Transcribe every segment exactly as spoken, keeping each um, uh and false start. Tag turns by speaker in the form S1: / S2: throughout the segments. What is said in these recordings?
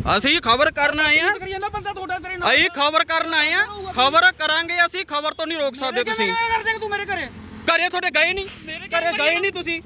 S1: ਅਸੀਂ ਖਬਰ ਕਰਨ ਆਏ ਆ ਅਸੀਂ ਖਬਰ ਕਰਨ ਆਏ ਆ ਖਬਰ ਕਰਾਂਗੇ ਅਸੀਂ ਖਬਰ ਤੋਂ ਨਹੀਂ ਰੋਕ ਸਕਦੇ ਤੁਸੀਂ
S2: ਤੂੰ ਮੇਰੇ ਘਰੇ
S1: ਘਰੇ ਤੁਹਾਡੇ ਗਏ ਨਹੀਂ ਘਰੇ ਗਏ ਨਹੀਂ ਤੁਸੀਂ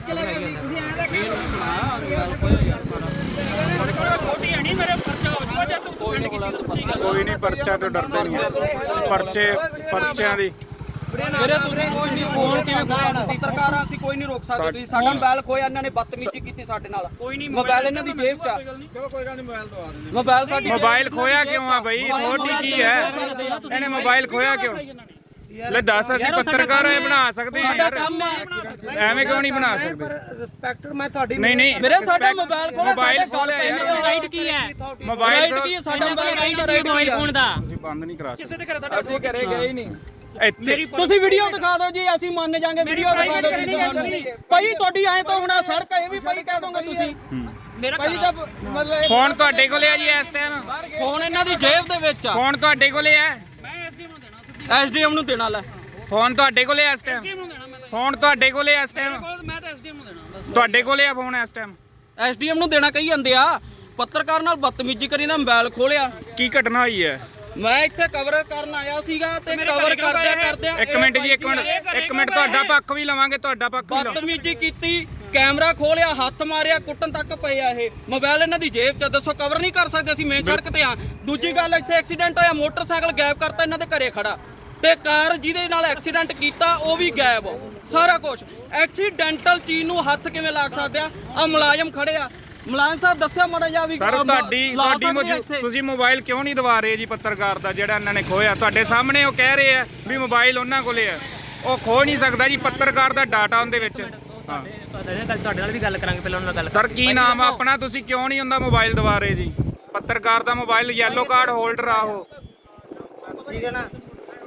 S3: ਕੋਈ ਨਹੀਂ ਪਰਚਾ ਤੋਂ ਡਰਦੇ ਨਹੀਂ ਪਰਚੇ ਪਰਚਿਆਂ ਦੀ
S1: ਮੇਰੇ ਤੁਸੀਂ ਕੋਈ ਨਹੀਂ ਫੋਨ ਕਿਵੇਂ ਖੋਇਆ ਪੱਤਰਕਾਰ ਆ ਅਸੀਂ ਕੋਈ ਨਹੀਂ ਰੋਕ ਸਕਦੇ ਤੁਸੀਂ ਸਾਡਾ ਮੋਬਾਈਲ ਖੋਇਆ ਇਹਨਾਂ ਨੇ ਬਦਤਮੀਜ਼ੀ ਕੀਤੀ ਸਾਡੇ ਨਾਲ ਕੋਈ ਨਹੀਂ ਮੋਬਾਈਲ ਇਹਨਾਂ ਦੀ ਜੇਬ 'ਚ ਆ
S2: ਚਲੋ ਕੋਈ ਗੱਲ ਨਹੀਂ ਮੋਬਾਈਲ ਦਵਾ ਦੇ
S1: ਮੋਬਾਈਲ ਸਾਡੀ
S3: ਮੋਬਾਈਲ ਖੋਇਆ ਕਿਉਂ ਆ ਬਈ ਥੋੜੀ ਕੀ ਹੈ ਇਹਨੇ ਮੋਬਾਈਲ ਖੋਇਆ ਕਿਉਂ ਲੈ ਦੱਸ ਅਸੀਂ ਪੱਤਰਕਾਰ ਐ ਬਣਾ ਸਕਦੇ ਹਾਂ ਯਾਰ ਐਵੇਂ ਕਿਉਂ ਨਹੀਂ ਬਣਾ ਸਕਦੇ
S2: ਰਿਸਪੈਕਟਡ ਮੈਂ ਤੁਹਾਡੀ
S3: ਨਹੀਂ ਨਹੀਂ
S1: ਮੇਰੇ ਸਾਡਾ ਮੋਬਾਈਲ ਖੋਇਆ
S3: ਮੋਬਾਈਲ ਖੋਲਿਆ ਯਾਰ
S4: ਰਾਈਟ ਕੀ ਹੈ
S3: ਮੋਬਾਈਲ
S1: ਕੀ ਹੈ ਸਾਡਾ
S4: ਰਾਈਟ ਕੀ ਮੋਬਾਈਲ ਫੋਨ ਦਾ
S3: ਤੁਸੀਂ ਬੰਦ ਨਹੀਂ ਕਰਾ ਸਕਦੇ
S2: ਕਿਸੇ ਦੇ ਘਰੇ ਤੁਹਾਡਾ
S1: ਅਸੀਂ ਘਰੇ ਗਏ ਹੀ ਨਹੀਂ
S3: ਇੱਥੇ
S1: ਤੁਸੀਂ ਵੀਡੀਓ ਦਿਖਾ ਦਿਓ ਜੀ ਅਸੀਂ ਮੰਨ ਜਾਾਂਗੇ ਵੀਡੀਓ ਦਿਖਾ ਦਿਓ ਜੀ ਭਾਈ ਤੁਹਾਡੀ ਐ ਤੋਂ ਹੁਣਾ ਸੜਕ ਇਹ ਵੀ ਭਾਈ ਕਹਿ ਦੋਗੇ ਤੁਸੀਂ
S4: ਮੇਰਾ
S1: ਭਾਈ ਜਦ ਮਤਲਬ
S3: ਫੋਨ ਤੁਹਾਡੇ ਕੋਲੇ ਆ ਜੀ ਇਸ ਟਾਈਮ
S1: ਫੋਨ ਇਹਨਾਂ ਦੀ ਜੇਬ ਦੇ ਵਿੱਚ ਆ
S3: ਫੋਨ ਤੁਹਾਡੇ ਕੋਲੇ ਆ
S2: ਮੈਂ ਐਸਡੀਐਮ ਨੂੰ ਦੇਣਾ ਸਿੱਧੀ
S1: ਐਸਡੀਐਮ ਨੂੰ ਦੇਣਾ ਲੈ
S3: ਫੋਨ ਤੁਹਾਡੇ ਕੋਲੇ ਇਸ ਟਾਈਮ
S2: ਐਸਡੀਐਮ ਨੂੰ ਦੇਣਾ ਮੈਂ
S3: ਫੋਨ ਤੁਹਾਡੇ ਕੋਲੇ ਇਸ ਟਾਈਮ
S2: ਮੈਂ ਤਾਂ ਐਸਡੀਐਮ ਨੂੰ ਦੇਣਾ ਬਸ
S3: ਤੁਹਾਡੇ ਕੋਲੇ ਆ ਫੋਨ ਇਸ ਟਾਈਮ
S1: ਐਸਡੀਐਮ ਨੂੰ ਦੇਣਾ ਕਹੀ ਜਾਂਦੇ ਆ ਪੱਤਰਕਾਰ ਨਾਲ ਬਦਤਮੀਜ਼ੀ ਕਰੀ ਨਾ ਮੋਬਾਈਲ ਖੋਲਿਆ
S3: ਕੀ ਘਟਨਾ ਹੋਈ ਹੈ
S1: ਮੈਂ ਇੱਥੇ ਕਵਰ ਕਰਨ ਆਇਆ ਸੀਗਾ ਤੇ ਕਵਰ ਕਰਦਿਆਂ ਕਰਦਿਆਂ
S3: ਇੱਕ ਮਿੰਟ ਜੀ ਇੱਕ ਮਿੰਟ ਇੱਕ ਮਿੰਟ ਤੁਹਾਡਾ ਪੱਖ ਵੀ ਲਵਾਂਗੇ ਤੁਹਾਡਾ ਪੱਖ ਵੀ ਲਵਾਂਗੇ
S1: ਬਦਤਮੀਜ਼ੀ ਕੀਤੀ ਕੈਮਰਾ ਖੋਲਿਆ ਹੱਥ ਮਾਰਿਆ ਕੁੱਟਣ ਤੱਕ ਪਏ ਆ ਇਹ ਮੋਬਾਈਲ ਇਹਨਾਂ ਦੀ ਜੇਬ 'ਚ ਦੱਸੋ ਕਵਰ ਨਹੀਂ ਕਰ ਸਕਦੇ ਅਸੀਂ ਮੇਨ ਸੜਕ ਤੇ ਆ ਦੂਜੀ ਗੱਲ ਇੱਥੇ ਐਕਸੀਡੈਂਟ ਹੋਇਆ ਮੋਟਰਸਾਈਕਲ ਗਾਇਬ ਕਰਤਾ ਇਹਨਾਂ ਦੇ ਘਰੇ ਖੜਾ ਤੇ ਕਾਰ ਜਿਹਦੇ ਨਾਲ ਐਕਸੀਡੈਂਟ ਕੀਤਾ ਉਹ ਵੀ ਗਾਇਬ ਸਾਰਾ ਕੁਝ ਐਕਸੀਡੈਂਟਲ ਚੀਜ਼ ਨੂੰ ਹੱਥ ਕਿਵੇਂ ਲਾ ਸਕਦੇ ਆ ਆ ਮੁਲਾਜ਼ਮ ਖੜੇ ਆ ਮੁਲਾਜ਼ਮ ਸਾਹਿਬ ਦੱਸਿਆ ਮਾੜਾ ਜਿਹਾ ਵੀ
S3: ਸਰ ਤੁਹਾਡੀ ਤੁਹਾਡੀ ਤੁਸੀਂ ਮੋਬਾਈਲ ਕਿਉਂ ਨਹੀਂ ਦਵਾ ਰਹੇ ਜੀ ਪੱਤਰਕਾਰ ਦਾ ਜਿਹੜਾ ਇਹਨਾਂ ਨੇ ਖੋਇਆ ਤੁਹਾਡੇ ਸਾਹਮਣੇ ਉਹ ਕਹਿ ਰਹੇ ਆ ਵੀ ਮੋਬਾਈਲ ਉਹਨਾਂ ਕੋਲੇ ਆ ਉਹ ਖੋ ਨਹੀਂ ਸਕਦਾ ਜੀ ਪੱਤਰਕਾਰ ਦਾ ਡਾਟਾ ਉਹਦੇ ਵਿੱਚ ਹਾਂ
S4: ਤੁਹਾਡੇ ਨਾਲ ਵੀ ਗੱਲ ਕਰਾਂਗੇ ਪਹਿਲਾਂ ਉਹਨਾਂ ਨਾਲ ਗੱਲ
S3: ਸਰ ਕੀ ਨਾਮ ਆ ਆਪਣਾ ਤੁਸੀਂ ਕਿਉਂ ਨਹੀਂ ਉਹਦਾ ਮੋਬਾਈਲ ਦਵਾ ਰਹੇ ਜੀ ਪੱਤਰਕਾਰ ਦਾ ਮੋਬਾਈਲ ਯੈਲੋ ਕਾਰਡ ਹੋਲਡਰ ਆ ਉਹ
S2: ਠੀਕ ਹੈ ਨਾ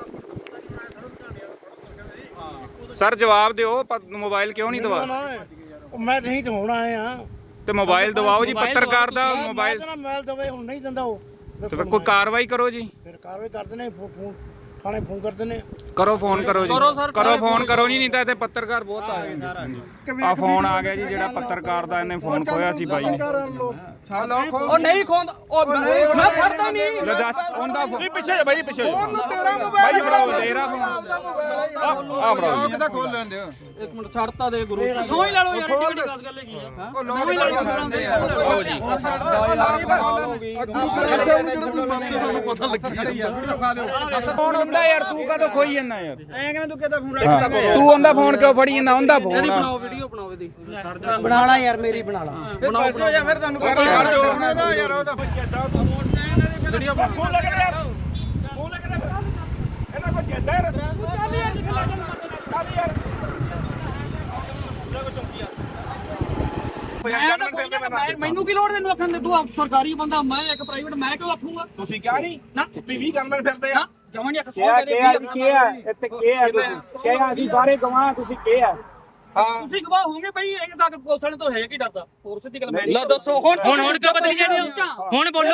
S3: ਸਰ ਜਵਾਬ ਦਿਓ ਮੋਬਾਈਲ ਕਿਉਂ ਨਹੀਂ ਦਵਾ
S2: ਮੈਂ ਨਹੀਂ ਤੇ ਹੁਣ ਆਏ ਆ
S3: ਤੇ ਮੋਬਾਈਲ ਦਵਾਓ ਜੀ ਪੱਤਰਕਾਰ ਦਾ ਮੋਬਾਈਲ
S2: ਮੋਬਾਈਲ ਦਵੇ ਹੁਣ ਨਹੀਂ ਦਿੰਦਾ ਉਹ
S3: ਤੇ ਫਿਰ ਕੋਈ ਕਾਰਵਾਈ ਕਰੋ ਜੀ
S2: ਫਿਰ ਕਾਰਵਾਈ ਕਰਦੇ ਨੇ ਫੋਨ ਥਾਣੇ ਫੋਨ ਕਰਦੇ ਨੇ
S3: ਕਰੋ ਫੋਨ ਕਰੋ ਜੀ
S1: ਕਰੋ ਸਰ,
S3: ਕਰੋ ਫੋਨ ਕਰੋ ਜੀ ਨਹੀਂ ਤਾਂ ਇੱਥੇ ਪੱਤਰਕਾਰ ਬਹੁਤ ਆ ਗਏ ਆ ਫੋਨ ਆ ਗਿਆ ਜੀ ਜਿਹੜਾ ਪੱਤਰਕਾਰ ਦਾ ਇਹਨੇ ਫੋਨ ਖੋਇਆ ਸੀ ਬਾਈ ਨੇ
S1: ਉਹ ਨਹੀਂ ਖੋਂਦਾ ਉਹ ਮੈਂ ਫੜਦਾ ਨਹੀਂ
S3: ਲੈ ਦੱਸ ਉਹਦਾ ਫੋਨ
S5: ਪਿੱਛੇ ਬਾਈ ਪਿੱਛੇ
S2: ਤੇਰਾ
S3: ਬਾਈ ਫੜਾਓ ਤੇਰਾ ਫੋਨ
S5: ਆ ਬਰਾਓ ਕਿਦਾਂ ਖੋਲ ਲੈਂਦੇ ਹੋ
S1: ਇੱਕ ਮਿੰਟ ਛੱਡਤਾ ਦੇ ਗੁਰੂ
S2: ਸਮਝ ਲੈ ਲਓ ਯਾਰ ਕਿਹੜੀ ਖਾਸ ਗੱਲ ਹੈਗੀ ਆ
S5: ਉਹ ਲੋਕ ਦਾ ਖੋਲ ਲੈਂਦੇ ਆ ਆਓ ਜੀ ਉਹ ਲੋਕ ਦਾ ਖੋਲ ਲੈਂਦੇ ਜਿਹੜਾ ਤੂੰ ਮੰਨਦੇ ਸਾਨੂੰ ਪਤਾ ਲੱਗੀ
S3: ਫੋਨ ਹੁੰਦਾ ਯਾਰ ਤੂੰ ਕਦੋਂ ਖੋਈ ਜਾਂਦਾ ਯਾਰ
S2: ਐ ਕਿਵੇਂ ਤੂੰ ਕਿਹਦਾ ਫੋਨ
S3: ਤੂੰ ਉਹਦਾ ਫੋਨ ਕਿਉਂ ਫੜੀ ਜਾਂਦਾ ਉਹਦਾ
S1: ਇਹਦੀ
S3: ਫੋਨ
S1: ਬਣਾਓ ਵੀਡੀਓ ਬਣਾਓ ਇਹਦੀ
S2: ਬਣਾ ਲਾ ਯਾਰ ਮੇਰੀ ਬਣਾ ਲਾ
S1: ਬਣਾਓ ਜਾਂ ਫਿਰ ਤੁਹਾਨੂੰ
S5: ਉਹਦਾ ਯਾਰ ਉਹਦਾ
S1: ਵੀਡੀਓ ਬਣਾਓ
S3: ਫੋਨ ਲੱਗ ਰਿਹਾ ਯਾਰ ਫੋਨ ਲੱਗ ਰਿਹਾ ਇਹਨਾਂ ਕੋ ਜੱਦਾ ਯਾਰ
S2: ਮੈਨੂੰ ਕੀ ਲੋੜ ਤੈਨੂੰ ਆਖਣ ਦੇ ਤੂੰ ਸਰਕਾਰੀ ਬੰਦਾ ਮੈਂ ਇੱਕ ਪ੍ਰਾਈਵੇਟ ਮੈਂ ਕਿਉਂ ਆਖੂੰਗਾ
S3: ਤੁਸੀਂ ਕਿਹਾ ਨਹੀਂ
S2: ਨਾ
S3: ਵੀ ਗਨਮੈਨ ਫਿਰਦੇ ਆ
S2: ਜਮਾਂ ਨਹੀਂ ਸੌ ਦੇ
S3: ਕੀ ਹੈ ਇੱਥੇ ਕੀ ਹੈ ਕੀ ਅਸੀਂ ਸਾਰੇ ਗਵਾਹ ਤੁਸੀਂ ਕੀ ਹੈ
S2: ਤੁਸੀਂ ਗਵਾਹ ਹੋਗੇ ਬਈ ਇੱਕ ਤੱਕ ਪੁਲਿਸ ਵਾਲੇ ਤੋਂ ਹੈ ਕੀ ਡਰਦਾ ਹੋਰ ਸਿੱਧੀ ਗੱਲ ਮੈਂ
S1: ਲੈ ਦੱਸੋ ਹੁਣ
S4: ਹੁਣ ਹੁਣ ਕਿਉਂ ਬਦਲੀ ਜਾਂਦੇ ਹੋ ਹੁਣ ਬੋਲੋ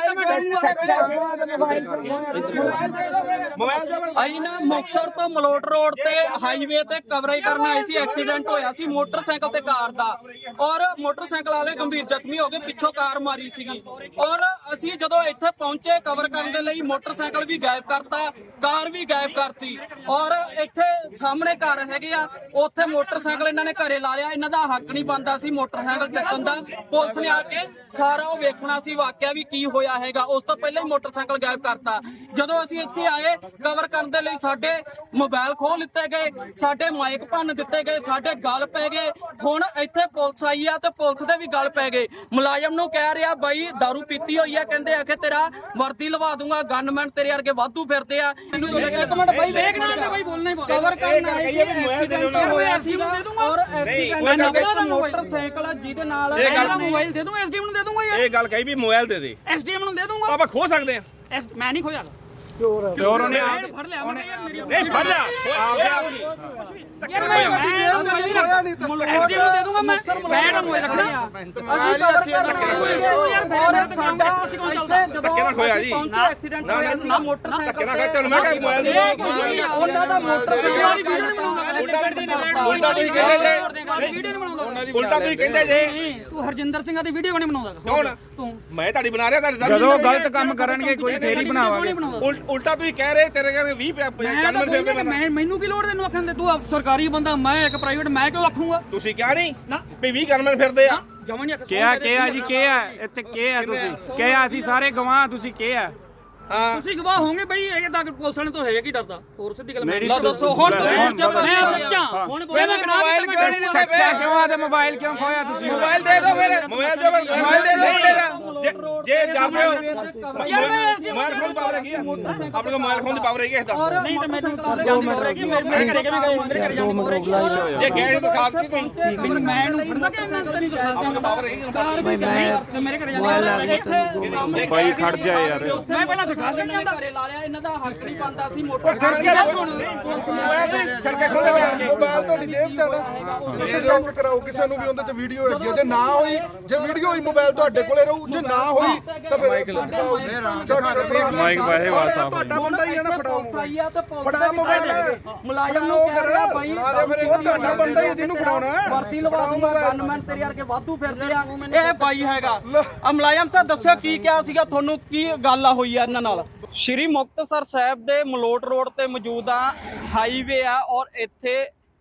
S1: ਅਸੀਂ ਨਾ ਮੁਕਤਸਰ ਤੋਂ ਮਲੋਟ ਰੋਡ ਤੇ ਹਾਈਵੇ ਤੇ ਕਵਰੇਜ ਕਰਨ ਆਏ ਸੀ ਐਕਸੀਡੈਂਟ ਹੋਇਆ ਸੀ ਮੋਟਰਸਾਈਕਲ ਤੇ ਕਾਰ ਦਾ ਔਰ ਮੋਟਰਸਾਈਕਲ ਵਾਲੇ ਗੰਭੀਰ ਜ਼ਖਮੀ ਹੋ ਗਏ ਪਿੱਛੋਂ ਕਾਰ ਮਾਰੀ ਸੀਗੀ ਔਰ ਅਸੀਂ ਜਦੋਂ ਇੱਥੇ ਪਹੁੰਚੇ ਕਵਰ ਕਰਨ ਦੇ ਲਈ ਮੋਟਰਸਾਈਕਲ ਵੀ ਗਾਇਬ ਕਰਤਾ ਕਾਰ ਵੀ ਗਾਇਬ ਕਰਤੀ ਔਰ ਇੱਥੇ ਸਾਹਮਣੇ ਘਰ ਹੈਗੇ ਆ ਉੱਥੇ ਮੋਟਰ ਸਾਈਕਲ ਇਹਨਾਂ ਨੇ ਘਰੇ ਲਾ ਲਿਆ ਇਹਨਾਂ ਦਾ ਹੱਕ ਨਹੀਂ ਬਣਦਾ ਸੀ ਮੋਟਰਸਾਈਕਲ ਚੱਕਣ ਦਾ ਪੁਲਿਸ ਨੇ ਆ ਕੇ ਸਾਰਾ ਉਹ ਵੇਖਣਾ ਸੀ ਵਾਕਿਆ ਵੀ ਕੀ ਹੋਇਆ ਹੈਗਾ ਉਸ ਤੋਂ ਪਹਿਲਾਂ ਹੀ ਮੋਟਰਸਾਈਕਲ ਗਾਇਬ ਕਰਤਾ ਜਦੋਂ ਅਸੀਂ ਇੱਥੇ ਆਏ ਕਵਰ ਕਰਨ ਦੇ ਲਈ ਸਾਡੇ ਮੋਬਾਈਲ ਖੋਹ ਲਿੱਤੇ ਗਏ ਸਾਡੇ ਮਾਈਕ ਭੰਨ ਦਿੱਤੇ ਗਏ ਸਾਡੇ ਗਲ ਪੈ ਗਏ ਹੁਣ ਇੱਥੇ ਪੁਲਿਸ ਆਈ ਆ ਤੇ ਪੁਲਿਸ ਦੇ ਵੀ ਗਲ ਪੈ ਗਏ ਮੁਲਾਜ਼ਮ ਨੂੰ ਕਹਿ ਰਿਹਾ ਬਾਈ ਦਾਰੂ ਪੀਤੀ ਹੋਈ ਆ ਕਹਿੰਦੇ ਆਖੇ ਤੇਰਾ ਵਰਦੀ ਲਵਾ ਦੂੰਗਾ ਗਨਮੈਨ ਤੇਰੇ ਵਰਗੇ ਵਾਧੂ ਫਿਰਦੇ ਆ ਇੱਕ ਮਿੰਟ ਬਾਈ ਵੇਖਣਾ ਬਾਈ ਬੋਲਣਾ ਹੀ ਕਵਰ ਕਰਨ ਆਏ ਸੀ ਐਕਸੀਡੈਂਟ ਹੋਇਆ ਸੀ ਔਰ ਐਕਸੀਡੈਂਟ ਮੋਟਰਸਾਈਕਲ ਜਿਹਦੇ ਨਾਲ
S2: ਮੋਬਾਈਲ ਦੇ ਦੂੰਗਾ ਐਸਡੀਐਮ ਨੂੰ ਦੇ ਦੂੰਗਾ ਯਾਰ
S5: ਇਹ ਗੱਲ ਕਹੀ ਵੀ ਮੋਬਾਈਲ ਦੇ ਦੇ
S2: ਐਸਡੀਐਮ ਨੂੰ ਦੇ ਦੂੰਗਾ
S5: ਆਪਾਂ ਖੋ ਸਕਦੇ ਆ
S2: ਮੈਂ ਨਹੀਂ ਖੋਇਆ
S3: ਚੋਰ ਉਹਨੇ
S2: ਫੜ ਲਿਆ ਉਹਨੇ ਯਾਰ ਮੇਰੀ
S5: ਨਹੀਂ ਫੜ ਜਾ
S2: ਯਾਰ ਮੈਂ ਐਸਡੀਐਮ ਨੂੰ ਦੇ ਦੂੰਗਾ ਮੈਂ ਮੈਂ ਨਾ ਮੋਬਾਈਲ ਰੱਖਣਾ
S5: ਮੋਬਾਈਲ ਹੀ ਹੱਥੀਂ ਨਾਲ ਧੱਕੇ ਨਾਲ ਖੋਇਆ ਜੀ
S1: ਐਕਸੀਡੈਂਟ ਹੋਇਆ ਨਾ ਮੋਟਰਸਾਈਕਲ
S5: ਧੱਕੇ ਨਾਲ ਖੋਇਆ ਤੈਨੂੰ ਮੈਂ ਕਿਹਾ ਮੋਬਾਈਲ ਦੇ
S1: ਉਹਨਾਂ ਦਾ ਮੋਟਰਸਾਈਕਲ ਵਾਲੀ ਵੀਡੀਓ ਨਹੀਂ ਬਣਾਉਂਦਾ
S2: ਉਲਟਾ ਤੁਸੀਂ ਕਹਿੰਦੇ ਜੇ ਵੀਡੀਓ ਨਹੀਂ ਬਣਾਉਂਦਾ
S6: ਉਲਟਾ ਤੁਸੀਂ ਕਹਿੰਦੇ ਜੇ
S2: ਤੂੰ ਹਰਜਿੰਦਰ ਸਿੰਘਾਂ ਦੀ ਵੀਡੀਓ ਨਹੀਂ ਬਣਾਉਂਦਾ
S6: ਕੌਣ
S2: ਤੂੰ
S6: ਮੈਂ ਤੁਹਾਡੀ ਬਣਾ ਰਿਹਾ ਤੁਹਾਡੇ
S3: ਜਦੋਂ ਗਲਤ ਕੰਮ ਕਰਨਗੇ ਕੋਈ ਫੇਰ ਹੀ ਬਣਾਵਾਂਗੇ।
S6: ਉਲਟਾ ਤੁਸੀਂ ਕਹਿ ਰਹੇ ਤੇਰੇ ਕਹਿੰਦੇ ਵੀਹ ਗਨਮੈਨ ਫਿਰਦੇ
S2: ਮੈਂ ਮੈਨੂੰ ਕੀ ਲੋੜ ਤੈਨੂੰ ਆਖਣ ਦੇ ਤੂੰ ਸਰਕਾਰੀ ਬੰਦਾ ਮੈਂ ਇੱਕ ਪ੍ਰਾਈਵੇਟ ਮੈਂ ਕਿਉਂ ਆਖੂੰਗਾ
S6: ਤੁਸੀਂ ਕਿਹਾ ਨਹੀਂ ਵੀ ਵੀਹ ਗਨਮੈਨ ਫਿਰਦੇ ਆ
S2: ਜਮਾ ਨਹੀਂ
S3: ਕਿਹਾ ਕਿਹਾ ਜੀ ਕਿਹਾ ਇੱਥੇ ਕਿਹਾ ਤੁਸੀਂ ਕਿਹਾ ਅਸੀਂ ਸਾਰੇ ਗਵਾਹ ਤੁਸੀਂ ਕਿਹਾ
S6: ਹਾਂ
S2: ਤੁਸੀਂ ਗਵਾਹ ਹੋਗੇ ਬਈ ਇਹ ਤਾਂ ਪੁਲਿਸ ਵਾਲੇ ਤੋਂ ਹੈ ਕੀ ਡਰਦਾ ਹੋਰ ਸਿੱਧੀ ਗੱਲ
S3: ਮੇਰੀ
S2: ਮੈਂ ਦੱਸੋ ਹੁਣ ਤੁਸੀਂ
S3: ਮੈਂ
S2: ਸੱਚਾ ਹੁਣ ਬੋਲ ਮੈਂ
S3: ਮੋਬਾਈਲ ਕਿਉਂ ਨਹੀਂ ਸੱਚਾ ਕਿਉਂ ਆ ਤੇ ਮੋਬਾਈਲ ਕਿਉਂ ਖੋਇਆ ਤੁਸੀਂ
S6: ਮੋਬਾਈਲ ਦੇ ਦਿਓ ਫਿਰ ਮੋਬਾਈਲ ਦੇ ਮੋਬਾਈਲ ਦੇ ਦਿਓ ਜੇ ਡਰਦੇ ਹੋ
S2: ਯਾਰ ਮੈਂ
S6: ਮੋਬਾਈਲ ਖੋਣ ਦੀ ਪਾਵਰ ਹੈਗੀ ਆ ਆਪਣੇ ਕੋਲ ਮੋਬਾਈਲ ਖੋਣ ਦੀ ਪਾਵਰ ਹੈਗੀ ਇਸ ਦਾ
S2: ਨਹੀਂ ਤਾਂ ਮੈਨੂੰ ਕਲਾਸ ਜਾਂਦੀ ਹੋ ਰਹੀ ਮੇਰੇ ਘਰੇ ਕਿਵੇਂ ਗਏ ਮੇਰੇ ਘਰੇ ਜਾਂਦੀ ਹੋ ਰਹੀ
S6: ਜੇ ਗਏ ਤਾਂ ਖਾਸ ਕੀ ਕੋਈ
S2: ਮੈਨੂੰ ਮੈਂ ਨੂੰ ਫੜਦਾ ਕਿ ਮੈਂ ਤੇਰੀ ਤੋਂ ਖਾਸ
S6: ਆਪਣੇ ਪਾਵਰ ਹੈਗੀ
S2: ਮੈਂ ਮੇਰੇ ਘਰੇ ਜਾਂਦੀ
S3: ਬਾਈ ਖੜ ਜਾ ਯਾਰ
S2: ਮੈਂ ਪਹਿਲਾਂ ਦਿਖਾ ਦਿੰਦਾ ਘਰੇ ਲਾ ਲਿਆ ਇਹਨਾਂ ਦਾ ਹੱਕ ਨਹੀਂ ਬਣਦਾ ਸੀ ਮੋਟਰ
S6: ਛੜਕੇ ਖੋਲੇ ਬੈਠ
S5: ਮੋਬਾਈਲ ਤੁਹਾਡੀ ਜੇਬ ਚ ਆ ਨਾ ਤੁਸੀਂ ਚੈੱਕ ਕਰਾਓ ਕਿਸੇ ਨੂੰ ਵੀ ਉਹਦੇ ਚ ਵੀਡੀਓ ਹੈਗੀ ਆ। ਜੇ ਨਾ ਹੋਈ ਜੇ ਵੀਡੀਓ ਹੋਈ ਮੋਬਾਈਲ ਤੁਹਾਡੇ ਕੋਲੇ ਰਹੂ ਜੇ ਨਾ ਹੋਈ ਤਾਂ ਫਿਰ
S3: ਮਾਈਕ ਵਾਹੇ ਵਾਸਾ
S5: ਤੁਹਾਡਾ ਬੰਦਾ ਹੀ ਆ ਨਾ ਫੜਾਓ
S2: ਸਹੀ ਆ ਤੇ
S5: ਫੜਾ ਮੋਬਾਈਲ
S2: ਮੁਲਾਜ਼ਮ ਨੂੰ ਕਹਿ ਰਿਹਾ ਬਾਈ
S5: ਉਹ ਤੁਹਾਡਾ ਬੰਦਾ ਹੀ ਜਿਹਨੂੰ ਫੜਾਉਣਾ
S2: ਵਰਤੀ ਲਵਾ ਦੂੰਗਾ ਗਨਮੈਨ ਤੇਰੇ ਵਰਗੇ ਵਾਧੂ ਫਿਰਦੇ ਆ ਇਹ ਬਾਈ ਹੈਗਾ ਆ ਮੁਲਾਜ਼ਮ ਸਾਹਿਬ ਦੱਸਿਓ ਕੀ ਕਿਹਾ ਸੀਗਾ ਤੁਹਾਨੂੰ ਕੀ ਗੱਲ ਆ ਹੋਈ ਆ ਇਹਨਾਂ ਨਾਲ। ਸ਼੍ਰੀ ਮੁਕਤਸਰ ਸਾਹਿਬ ਦੇ ਮਲੋਟ ਰੋਡ ਤੇ ਮੌਜੂਦ ਆ ਹਾਈਵੇ ਆ ਔਰ ਇੱਥੇ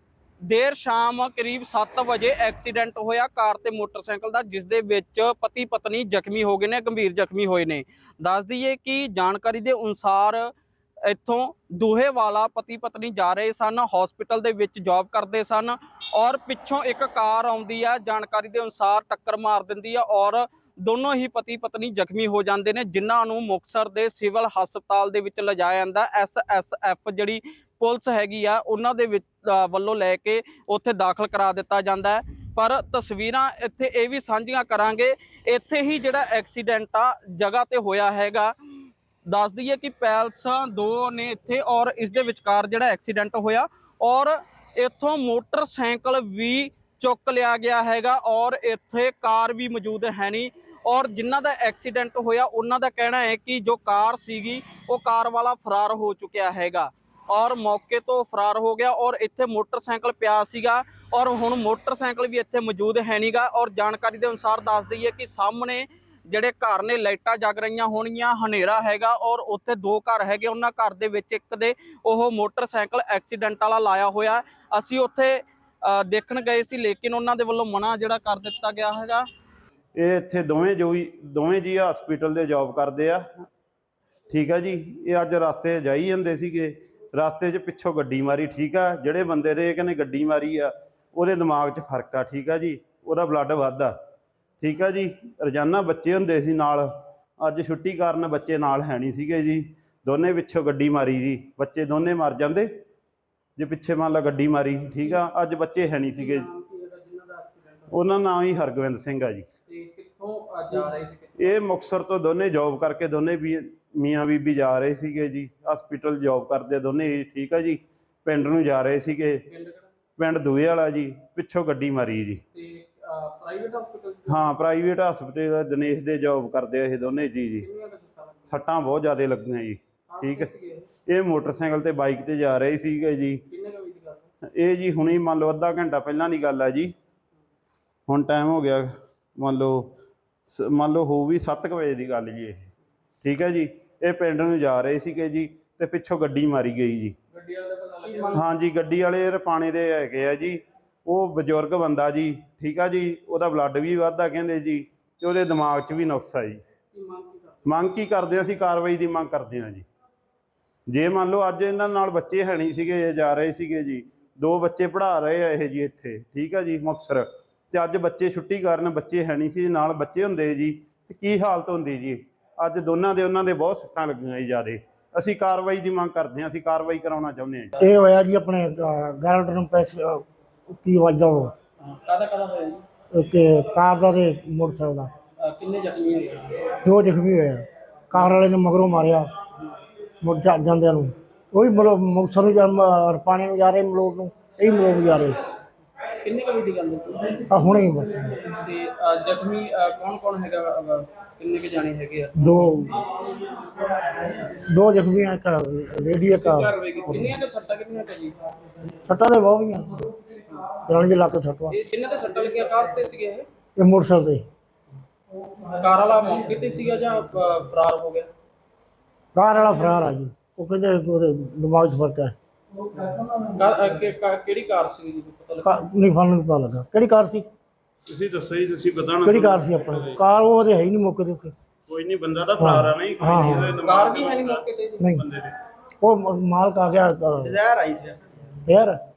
S2: ਦੇਰ ਸ਼ਾਮ ਕਰੀਬ ਸੱਤ ਵਜੇ ਐਕਸੀਡੈਂਟ ਹੋਇਆ ਕਾਰ ਤੇ ਮੋਟਰਸਾਈਕਲ ਦਾ ਜਿਸ ਦੇ ਵਿੱਚ ਪਤੀ ਪਤਨੀ ਜ਼ਖਮੀ ਹੋ ਗਏ ਨੇ ਗੰਭੀਰ ਜ਼ਖਮੀ ਹੋਏ ਨੇ। ਦੱਸ ਦਈਏ ਕਿ ਜਾਣਕਾਰੀ ਦੇ ਅਨੁਸਾਰ ਇੱਥੋਂ ਦੂਹੇ ਵਾਲਾ ਪਤੀ ਪਤਨੀ ਜਾ ਰਹੇ ਸਨ ਹਸਪੀਟਲ ਦੇ ਵਿੱਚ ਜੌਬ ਕਰਦੇ ਸਨ ਔਰ ਪਿੱਛੋਂ ਇੱਕ ਕਾਰ ਆਉਂਦੀ ਆ ਜਾਣਕਾਰੀ ਦੇ ਅਨੁਸਾਰ ਟੱਕਰ ਮਾਰ ਦਿੰਦੀ ਆ ਔਰ ਦੋਨੋਂ ਹੀ ਪਤੀ ਪਤਨੀ ਜ਼ਖਮੀ ਹੋ ਜਾਂਦੇ ਨੇ ਜਿਨ੍ਹਾਂ ਨੂੰ ਮੁਕਤਸਰ ਦੇ ਸਿਵਲ ਹਸਪਤਾਲ ਦੇ ਵਿੱਚ ਲਿਜਾਇਆ ਜਾਂਦਾ ਐਸ ਐਸ ਐਫ ਜਿਹੜੀ ਪੁਲਿਸ ਹੈਗੀ ਆ ਉਹਨਾਂ ਦੇ ਵਿੱਚ ਵੱਲੋਂ ਲੈ ਕੇ ਉੱਥੇ ਦਾਖਲ ਕਰਾ ਦਿੱਤਾ ਜਾਂਦਾ ਹੈ। ਪਰ ਤਸਵੀਰਾਂ ਇੱਥੇ ਇਹ ਵੀ ਸਾਂਝੀਆਂ ਕਰਾਂਗੇ ਇੱਥੇ ਹੀ ਜਿਹੜਾ ਐਕਸੀਡੈਂਟ ਆ ਜਗ੍ਹਾ ਤੇ ਹੋਇਆ ਹੈਗਾ। ਦੱਸ ਦਈਏ ਕਿ ਪੈਲਸਾਂ ਦੋ ਨੇ ਇੱਥੇ ਔਰ ਇਸ ਦੇ ਵਿਚਕਾਰ ਜਿਹੜਾ ਐਕਸੀਡੈਂਟ ਹੋਇਆ ਔਰ ਇੱਥੋਂ ਮੋਟਰਸਾਈਕਲ ਵੀ ਚੁੱਕ ਲਿਆ ਗਿਆ ਹੈਗਾ ਔਰ ਇੱਥੇ ਕਾਰ ਵੀ ਮੌਜੂਦ ਹੈ ਨਹੀਂ ਔਰ ਜਿਨ੍ਹਾਂ ਦਾ ਐਕਸੀਡੈਂਟ ਹੋਇਆ ਉਹਨਾਂ ਦਾ ਕਹਿਣਾ ਹੈ ਕਿ ਜੋ ਕਾਰ ਸੀਗੀ ਉਹ ਕਾਰ ਵਾਲਾ ਫਰਾਰ ਹੋ ਚੁੱਕਿਆ ਹੈਗਾ ਔਰ ਮੌਕੇ ਤੋਂ ਫਰਾਰ ਹੋ ਗਿਆ ਔਰ ਇੱਥੇ ਮੋਟਰਸਾਈਕਲ ਪਿਆ ਸੀਗਾ ਔਰ ਹੁਣ ਮੋਟਰਸਾਈਕਲ ਵੀ ਇੱਥੇ ਮੌਜੂਦ ਹੈ ਨਹੀਂਗਾ ਔਰ ਜਾਣਕਾਰੀ ਦੇ ਅਨੁਸਾਰ ਦੱਸ ਦਈਏ ਕਿ ਸਾਹਮਣੇ ਜਿਹੜੇ ਘਰ ਨੇ ਲਾਈਟਾਂ ਜਗ ਰਹੀਆਂ ਹੋਣਗੀਆਂ ਹਨੇਰਾ ਹੈਗਾ ਔਰ ਉੱਥੇ ਦੋ ਘਰ ਹੈਗੇ ਉਹਨਾਂ ਘਰ ਦੇ ਵਿੱਚ ਇੱਕ ਦੇ ਉਹ ਮੋਟਰਸਾਈਕਲ ਐਕਸੀਡੈਂਟ ਵਾਲਾ ਲਾਇਆ ਹੋਇਆ। ਅਸੀਂ ਉੱਥੇ ਦੇਖਣ ਗਏ ਸੀ ਲੇਕਿਨ ਉਹਨਾਂ ਦੇ ਵੱਲੋਂ ਮਨਾ ਜਿਹੜਾ ਕਰ ਦਿੱਤਾ ਗਿਆ ਹੈਗਾ।
S7: ਇਹ ਇੱਥੇ ਦੋਵੇਂ ਜੋ ਹੀ ਦੋਵੇਂ ਜੀ ਹਸਪੀਟਲ ਦੇ ਜੌਬ ਕਰਦੇ ਆ ਠੀਕ ਆ ਜੀ। ਇਹ ਅੱਜ ਰਸਤੇ ਜਾਈ ਜਾਂਦੇ ਸੀਗੇ ਰਸਤੇ 'ਚ ਪਿੱਛੋਂ ਗੱਡੀ ਮਾਰੀ ਠੀਕ ਆ। ਜਿਹੜੇ ਬੰਦੇ ਦੇ ਕਹਿੰਦੇ ਗੱਡੀ ਮਾਰੀ ਆ ਉਹਦੇ ਦਿਮਾਗ 'ਚ ਫਰਕ ਆ ਠੀਕ ਆ ਜੀ। ਉਹਦਾ ਬਲੱਡ ਵੱਧਦਾ ਠੀਕ ਆ ਜੀ। ਰੋਜ਼ਾਨਾ ਬੱਚੇ ਹੁੰਦੇ ਸੀ ਨਾਲ ਅੱਜ ਛੁੱਟੀ ਕਾਰਨ ਬੱਚੇ ਨਾਲ ਹੈ ਨਹੀਂ ਸੀਗੇ ਜੀ। ਦੋਨੇ ਪਿੱਛੋਂ ਗੱਡੀ ਮਾਰੀ ਜੀ ਬੱਚੇ ਦੋਨੇ ਮਰ ਜਾਂਦੇ ਜੇ ਪਿੱਛੇ ਮੰਨ ਲਾ ਗੱਡੀ ਮਾਰੀ ਠੀਕ ਆ। ਅੱਜ ਬੱਚੇ ਹੈ ਨਹੀਂ ਸੀਗੇ ਉਹਨਾਂ ਨਾਂ ਹੀ ਹਰਗੋਬਿੰਦ ਸਿੰਘ ਆ ਜੀ।
S1: ਕਿੱਥੋਂ ਜਾ ਰਹੇ ਸੀ?
S7: ਇਹ ਮੁਕਤਸਰ ਤੋਂ ਦੋਨੇ ਜੌਬ ਕਰਕੇ ਦੋਨੇ ਵੀ ਮੀਆਂ ਬੀਬੀ ਜਾ ਰਹੇ ਸੀਗੇ ਜੀ। ਹਸਪੀਟਲ ਜੌਬ ਕਰਦੇ ਦੋਨੇ ਠੀਕ ਆ ਜੀ। ਪਿੰਡ ਨੂੰ ਜਾ ਰਹੇ ਸੀਗੇ ਪਿੰਡ ਦੂਏ ਵਾਲਾ ਜੀ। ਪਿੱਛੋਂ ਗੱਡੀ ਮਾਰੀ ਜੀ।
S1: Private hospital?
S7: ਹਾਂ ਪ੍ਰਾਈਵੇਟ ਹਸਪਤਾਲ ਦਿਨੇਸ਼ ਦੇ ਜੌਬ ਕਰਦੇ ਇਹ ਦੋਨੇ ਜੀ ਜੀ। ਸੱਟਾਂ ਬਹੁਤ ਜ਼ਿਆਦਾ ਲੱਗੀਆਂ ਜੀ ਠੀਕ ਹੈ। ਇਹ ਮੋਟਰਸਾਈਕਲ ਤੇ ਬਾਈਕ ਤੇ ਜਾ ਰਹੇ ਸੀਗੇ ਜੀ। ਇਹ ਜੀ ਹੁਣੀ ਮੰਨ ਲਓ ਅੱਧਾ ਘੰਟਾ ਪਹਿਲਾਂ ਦੀ ਗੱਲ ਆ ਜੀ। ਹੁਣ ਟਾਈਮ ਹੋ ਗਿਆ ਮੰਨ ਲਓ ਮੰਨ ਲਓ ਹੋ ਵੀ ਸੱਤ ਕੁ ਵਜੇ ਦੀ ਗੱਲ ਜੀ ਇਹ ਠੀਕ ਹੈ ਜੀ। ਇਹ ਪਿੰਡ ਨੂੰ ਜਾ ਰਹੇ ਸੀਗੇ ਜੀ ਤੇ ਪਿੱਛੋਂ ਗੱਡੀ ਮਾਰੀ ਗਈ ਜੀ। ਹਾਂ ਜੀ ਗੱਡੀ ਵਾਲੇ ਰਪਾਣੇ ਦੇ ਹੈਗੇ ਆ ਜੀ। ਉਹ ਬਜ਼ੁਰਗ ਬੰਦਾ ਜੀ ਠੀਕ ਆ ਜੀ। ਉਹਦਾ ਬਲੱਡ ਵੀ ਵੱਧਦਾ ਕਹਿੰਦੇ ਜੀ ਤੇ ਉਹਦੇ ਦਿਮਾਗ 'ਚ ਵੀ ਨੁਕਸ ਆ ਜੀ। ਮੰਗ ਕੀ ਕਰਦੇ ਅਸੀਂ ਕਾਰਵਾਈ ਦੀ ਮੰਗ ਕਰਦੇ ਹਾਂ ਜੀ। ਜੇ ਮੰਨ ਲਓ ਅੱਜ ਇਹਨਾਂ ਨਾਲ ਬੱਚੇ ਹੈ ਨਹੀਂ ਸੀਗੇ ਜਾ ਰਹੇ ਸੀਗੇ ਜੀ। ਦੋ ਬੱਚੇ ਪੜ੍ਹਾ ਰਹੇ ਆ ਇਹ ਜੀ ਇੱਥੇ ਠੀਕ ਆ ਜੀ ਮੁਕਤਸਰ ਤੇ ਅੱਜ ਬੱਚੇ ਛੁੱਟੀ ਕਾਰਨ ਬੱਚੇ ਹੈ ਨਹੀਂ ਸੀ ਨਾਲ ਬੱਚੇ ਹੁੰਦੇ ਜੀ ਤੇ ਕੀ ਹਾਲਤ ਹੁੰਦੀ ਜੀ। ਅੱਜ ਦੋਨਾਂ ਦੇ ਉਹਨਾਂ ਦੇ ਬਹੁਤ ਸੱਟਾਂ ਲੱਗੀਆਂ ਜੀ ਜ਼ਿਆਦੇ। ਅਸੀਂ ਕਾਰਵਾਈ ਦੀ ਮੰਗ ਕਰਦੇ ਹਾਂ। ਅਸੀਂ ਕਾਰਵਾਈ ਕਰਾਉਣਾ ਚਾਹੁੰਦੇ ਹਾਂ ਜੀ।
S8: ਇਹ ਹੋਇਆ ਜੀ ਆਪਣੇ ਗਾਰੰਟਰ ਨੂੰ ਪੈਸੇ ਕੀ ਵਜਦਾ ਉਹ
S1: ਕਾਹਦਾ ਕਾਹਦਾ ਹੋਇਆ ਜੀ?
S8: ਕਿ ਕਾਰ ਦਾ ਤੇ ਮੋਟਰਸਾਈਕਲ ਦਾ
S1: ਕਿੰਨੇ ਜ਼ਖਮੀ ਹੋਏ?
S8: ਦੋ ਜ਼ਖਮੀ ਹੋਏ। ਕਾਰ ਵਾਲੇ ਨੇ ਮਗਰੋਂ ਮਾਰਿਆ ਮੁੜ ਜਾਂਦਿਆਂ ਨੂੰ ਉਹ ਵੀ ਮਤਲਬ ਮੁਕਤਸਰ ਨੂੰ ਜਾਂ ਰਪਾਣੇ ਨੂੰ ਜਾ ਰਹੇ ਮਲੋਟ ਨੂੰ ਇਹ ਮਲੋਟ ਨੂੰ ਜਾ ਰਹੇ
S2: ਕਿੰਨੇ ਕੁ ਵਜੇ ਦੀ ਗੱਲ ਹੈ
S8: ਆ ਹੁਣੇ ਹੀ ਬਸ
S2: ਤੇ ਅ, ਜ਼ਖਮੀ ਕੌਣ ਕੌਣ ਹੈਗਾ ਅ, ਕਿੰਨੇ ਕੁ ਜਾਣੇ ਹੈਗੇ ਆ
S8: ਦੋ ਦੋ ਜ਼ਖਮੀ ਆ, ਇੱਕ ਲੇਡੀ ਇੱਕ
S2: ਕਾਰਵਾਈ ਕੀਤੀ ਕਿੰਨੀਆਂ ਕੁ ਸੱਟਾਂ ਕਿੰਨੀਆਂ ਕੁ ਜੀ
S8: ਸੱਟਾਂ ਦੇ ਬਹੁਤ ਗਈਆਂ ਜਾਣੀ ਦੇ ਲੱਕ ਸੱਟ ਵਾ
S2: ਇਹ ਜਿਨ੍ਹਾਂ ਤੇ ਸੱਟਾਂ ਲੱਗੀਆਂ ਕਾਸ ਤੇ ਸੀਗੇ ਇਹ
S8: ਇਹ ਮੋਟਰਸਾਈਕਲ ਤੇ
S2: ਕਾਰ ਵਾਲਾ ਮੌਕੇ ਤੇ ਸੀਗਾ ਜਾਂ ਅ, ਫਰਾਰ ਹੋ ਗਿਆ
S8: ਕਾਰ ਵਾਲਾ ਫਰਾਰ ਆ ਜੀ ਉਹ ਕਹਿੰਦੇ ਉਹਦੇ ਦਿਮਾਗ 'ਚ ਫਰਕ ਹੈ
S2: ਕਾਰ- ਅ, ਕਿ- ਕਾ- ਕਿਹੜੀ ਕਾਰ ਸੀ ਜੀ ਪਤਾ ਲੱਗਾ
S8: ਕਾ- ਨਹੀਂ ਫਾਨੂੰ ਪਤਾ ਲੱਗਾ ਕਿਹੜੀ ਕਾਰ ਸੀ
S7: ਤੁਸੀਂ ਦੱਸੋ ਜੀ, ਤੁਸੀਂ ਬਤਾਣਾ
S8: ਕਿਹੜੀ ਕਾਰ ਸੀ ਆਪਣੀ ਕਾਰ ਉਹ ਉਹਦੇ ਹੈ ਹੀ ਨਹੀਂ ਮੌਕੇ ਦੇ ਉੱਤੇ
S7: ਕੋਈ ਨਹੀਂ, ਬੰਦਾ ਤਾਂ ਫਰਾਰ ਆ ਨਹੀਂ,
S8: ਹਾਂ ਹਾਂ
S2: ਕਾਰ ਵੀ ਹੈ ਨਹੀਂ ਮੌਕੇ ਤੇ ਜੀ
S8: ਨਹੀਂ ਉਹ ਮ- ਮਾਲਕ ਆ ਗਿਆ ਜ਼ਹਿਰ ਆਈ ਸੀ ਯਾਰ